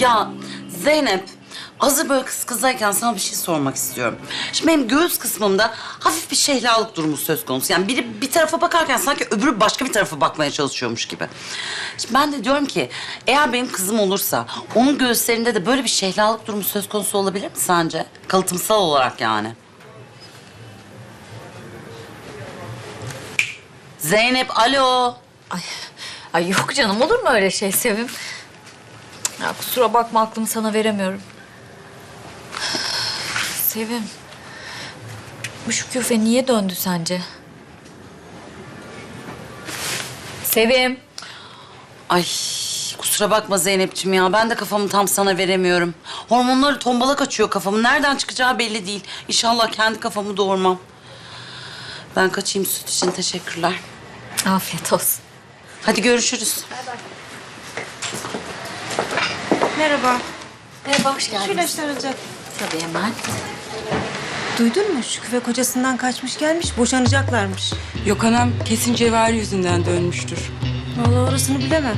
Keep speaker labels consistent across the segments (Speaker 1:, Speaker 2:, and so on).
Speaker 1: Ya Zeynep, hazır böyle kız kızayken sana bir şey sormak istiyorum. Şimdi benim göğüs kısmımda hafif bir şehlalık durumu söz konusu. Yani biri bir tarafa bakarken sanki öbürü başka bir tarafa bakmaya çalışıyormuş gibi. Şimdi ben de diyorum ki eğer benim kızım olursa onun göğüslerinde de böyle bir şehlalık durumu söz konusu olabilir mi sence? Kalıtımsal olarak yani. Zeynep, alo.
Speaker 2: Ay yok canım, olur mu öyle şey Sevim? Ya kusura bakma, aklımı sana veremiyorum. Sevim, bu Şüküfe niye döndü sence? Sevim.
Speaker 1: Ay kusura bakma Zeynep'ciğim ya. Ben de kafamı tam sana veremiyorum. Hormonları tombalak açıyor kafamı. Nereden çıkacağı belli değil. İnşallah kendi kafamı doğurmam. Ben kaçayım, süt için teşekkürler.
Speaker 2: Afiyet olsun.
Speaker 1: Hadi görüşürüz.
Speaker 3: Merhaba.
Speaker 2: Merhaba, hoş geldiniz.
Speaker 3: Şu ilaçlar alacak.
Speaker 2: Tabii hemen.
Speaker 3: Duydun mu? Şüküfe kocasından kaçmış gelmiş. Boşanacaklarmış.
Speaker 4: Yok anam, kesin Cevahir yüzünden dönmüştür.
Speaker 3: Vallahi orasını bilemem.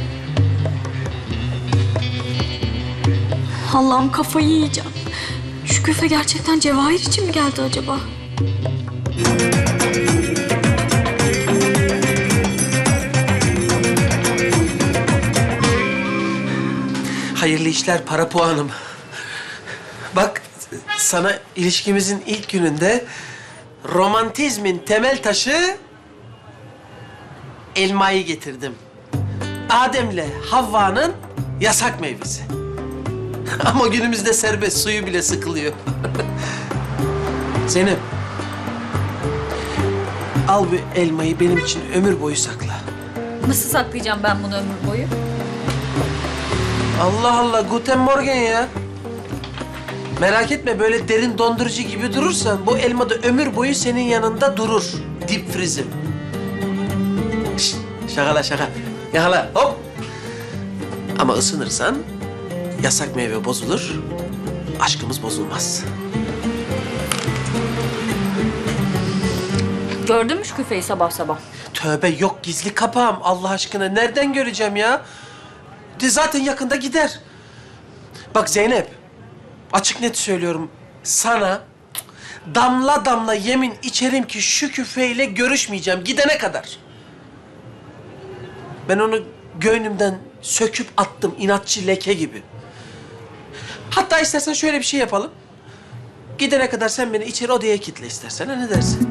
Speaker 5: Allah'ım, kafayı yiyeceğim. Şüküfe gerçekten Cevahir için mi geldi acaba?
Speaker 6: Hayırlı işler para puanım. Bak sana ilişkimizin ilk gününde romantizmin temel taşı elmayı getirdim. Adem'le Havva'nın yasak meyvesi. Ama günümüzde serbest, suyu bile sıkılıyor. Zeynep, al bu elmayı benim için ömür boyu sakla.
Speaker 2: Nasıl saklayacağım ben bunu ömür boyu?
Speaker 6: Allah Allah, Guten Morgen ya. Merak etme, böyle derin dondurucu gibi durursan bu elma da ömür boyu senin yanında durur. Dip frizim. Şşt, şakala şaka. Yakala, hop. Ama ısınırsan yasak meyve bozulur, aşkımız bozulmaz.
Speaker 2: Gördün mü Şüküfe'yi sabah sabah?
Speaker 6: Tövbe, yok gizli kapağım Allah aşkına. Nereden göreceğim ya? De zaten yakında gider. Bak Zeynep, açık net söylüyorum. Sana damla damla yemin içerim ki şu küfeyle görüşmeyeceğim gidene kadar. Ben onu göğnümden söküp attım inatçı leke gibi. Hatta istersen şöyle bir şey yapalım. Gidene kadar sen beni içeri odaya kilitle istersen. Ha, ne dersin?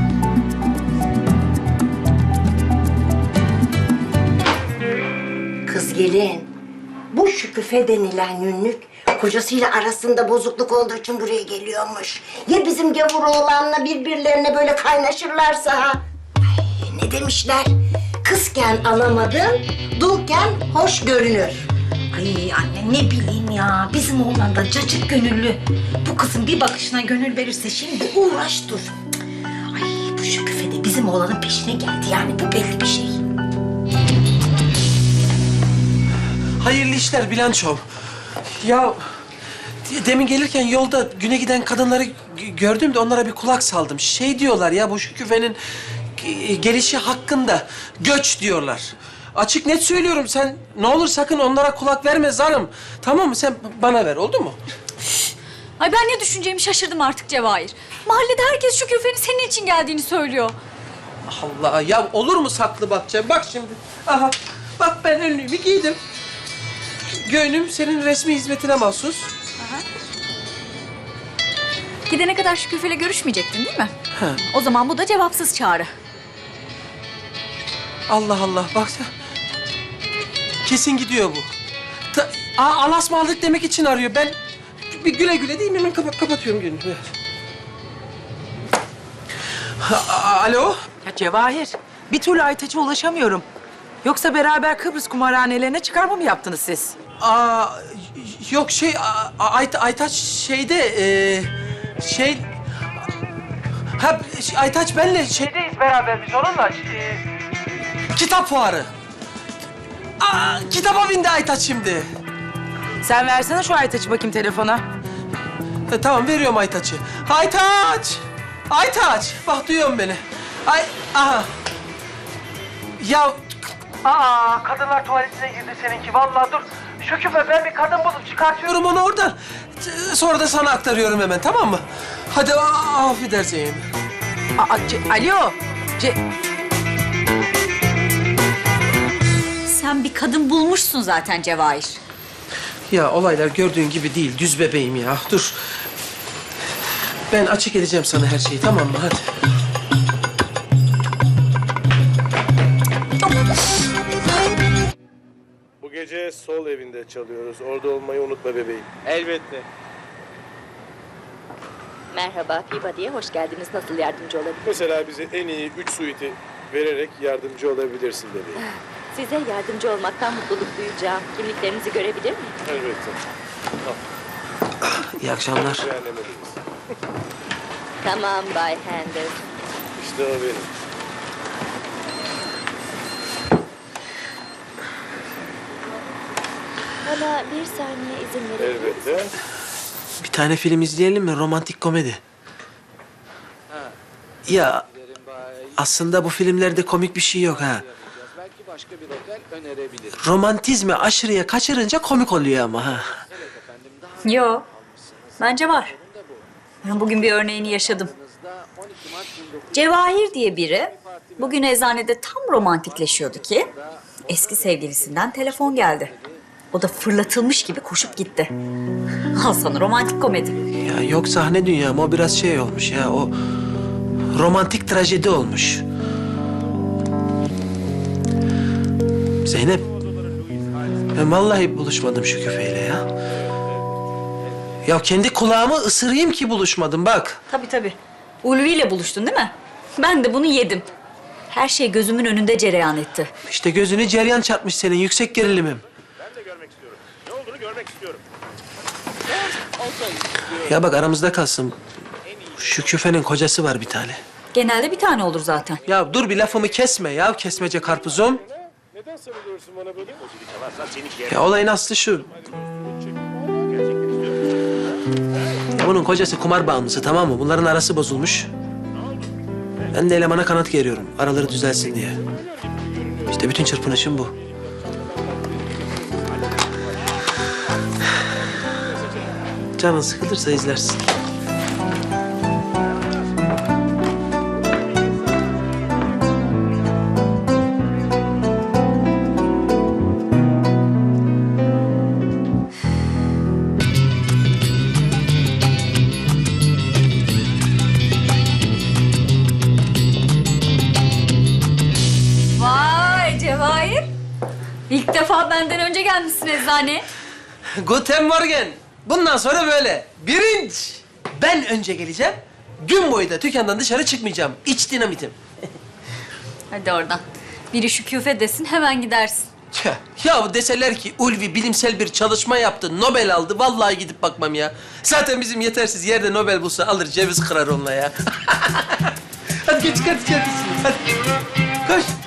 Speaker 7: Kız gelin, bu Şüküfe denilen günlük kocasıyla arasında bozukluk olduğu için buraya geliyormuş. Ya bizim gavur oğlanla birbirlerine böyle kaynaşırlarsa ha? Ay, ne demişler? Kızken alamadın, dulken hoş görünür. Ay anne ne bileyim ya, bizim oğlan da cacık gönüllü. Bu kızın bir bakışına gönül verirse şimdi uğraş dur. Ay bu Şüküfe de bizim oğlanın peşine geldi, yani bu belli bir şey.
Speaker 6: Hayırlı işler Bilançom. Ya demin gelirken yolda güne giden kadınları gördüm de onlara bir kulak saldım. Şey diyorlar ya, bu Şüküfe'nin gelişi hakkında göç diyorlar. Açık net söylüyorum, sen ne olur sakın onlara kulak verme zarım. Tamam mı? Sen bana ver, oldu mu?
Speaker 5: Ay ben ne düşüneceğimi şaşırdım artık Cevahir. Mahallede herkes Şüküfe'nin senin için geldiğini söylüyor.
Speaker 6: Allah ya, olur mu saklı bakacağım? Bak şimdi. Aha, bak ben önlüğümü giydim. Göğnüm senin resmi hizmetine mahsus.
Speaker 5: Gidene kadar Şüküfe'yle görüşmeyecektin değil mi?
Speaker 6: Ha.
Speaker 5: O zaman bu da cevapsız çağrı.
Speaker 6: Allah Allah, bak sen. Kesin gidiyor bu. Alasmalık demek için arıyor. Ben bir güle güle değil mi? Hemen kapatıyorum günü. Evet. Alo?
Speaker 4: Ya Cevahir, bir türlü Aytaç'a ulaşamıyorum. Yoksa beraber Kıbrıs kumarhanelerine çıkarma mı yaptınız siz?
Speaker 6: Yok şey, Aytaç şeyde, Aytaç benle şeydeyiz beraber biz onunla. Kitap fuarı. Kitaba bindi Aytaç şimdi.
Speaker 4: Sen versene şu Aytaç'ı bakayım telefona.
Speaker 6: Tamam, veriyorum Aytaç'ı. Aytaç! Aytaç! Bak duyuyor musun beni? Aha. Ya... kadınlar tuvaletine girdi seninki. Vallahi dur. Şüküfe ben bir kadın bulup çıkartıyorum onu oradan. Sonra da sana aktarıyorum hemen, tamam mı? Hadi affedersin.
Speaker 4: Alo.
Speaker 5: Sen bir kadın bulmuşsun zaten Cevahir.
Speaker 6: Ya olaylar gördüğün gibi değil, düz bebeğim ya. Dur. Ben açık edeceğim sana her şeyi, tamam mı? Hadi.
Speaker 8: Bu gece sol evinde çalıyoruz. Orada olmayı unutma bebeğim.
Speaker 9: Elbette.
Speaker 10: Merhaba, Peabody'ye hoş geldiniz. Nasıl yardımcı olabilirim?
Speaker 8: Mesela bize en iyi 3 suite'i vererek yardımcı olabilirsin bebeğim.
Speaker 10: Size yardımcı olmaktan mutluluk duyacağım. Kimliklerinizi görebilir miyim?
Speaker 8: Elbette.
Speaker 6: İyi akşamlar.
Speaker 8: Beğenlemeliyiz.
Speaker 10: Tamam Bay Handel.
Speaker 8: İşte o benim.
Speaker 10: Bana bir saniye izin verebilir misiniz?
Speaker 8: Elbette.
Speaker 6: Bir tane film izleyelim mi? Romantik komedi. Ya aslında bu filmlerde komik bir şey yok ha.
Speaker 9: Belki başka bir otel önerebilirim.
Speaker 6: Romantizmi aşırıya kaçırınca komik oluyor ama ha.
Speaker 5: Yo. Bence var. Ben bugün bir örneğini yaşadım.
Speaker 9: 12 Mart 1900
Speaker 5: Cevahir diye biri bugün eczanede tam romantikleşiyordu ki eski sevgilisinden telefon geldi. O da fırlatılmış gibi koşup gitti. Al sana romantik komedi.
Speaker 6: Ya yok sahne dünyam, o biraz şey olmuş ya, o romantik trajedi olmuş. Zeynep, ben vallahi buluşmadım şu küfeyle ya. Ya kendi kulağımı ısırayım ki buluşmadım bak.
Speaker 5: Tabii. Ulvi ile buluştun değil mi? Ben de bunu yedim. Her şey gözümün önünde cereyan etti.
Speaker 6: İşte gözünü ceryan çarpmış senin, yüksek gerilimim.
Speaker 8: Ben de görmek istiyorum. Ne olduğunu görmek istiyorum.
Speaker 6: Ya bak aramızda kalsın. Şu küfenin kocası var bir tane.
Speaker 5: Genelde bir tane olur zaten.
Speaker 6: Ya dur bir lafımı kesme ya, kesmece karpuzum.
Speaker 8: Neden sarılıyorsun bana böyle?
Speaker 6: Ya olayın aslı şu. Ya bunun kocası kumar bağımlısı, tamam mı? Bunların arası bozulmuş. Ben de elemana kanat geriyorum, araları düzelsin diye. İşte bütün çırpınışım bu. Canın sıkılırsa izlersin.
Speaker 5: Vay Cevahir. İlk defa benden önce gelmişsin eczaneye.
Speaker 6: Guten Morgen. Bundan sonra böyle. Birinci. Ben önce geleceğim. Gün boyu da dükkandan dışarı çıkmayacağım. İç dinamitim.
Speaker 5: Hadi oradan. Biri şu küfe desin hemen gidersin.
Speaker 6: Tüh. Ya deseler ki Ulvi bilimsel bir çalışma yaptı, Nobel aldı. Vallahi gidip bakmam ya. Zaten bizim yetersiz yerde Nobel bulsa alır ceviz kırar onunla ya. Hadi geç hadi. Hadi. Koş.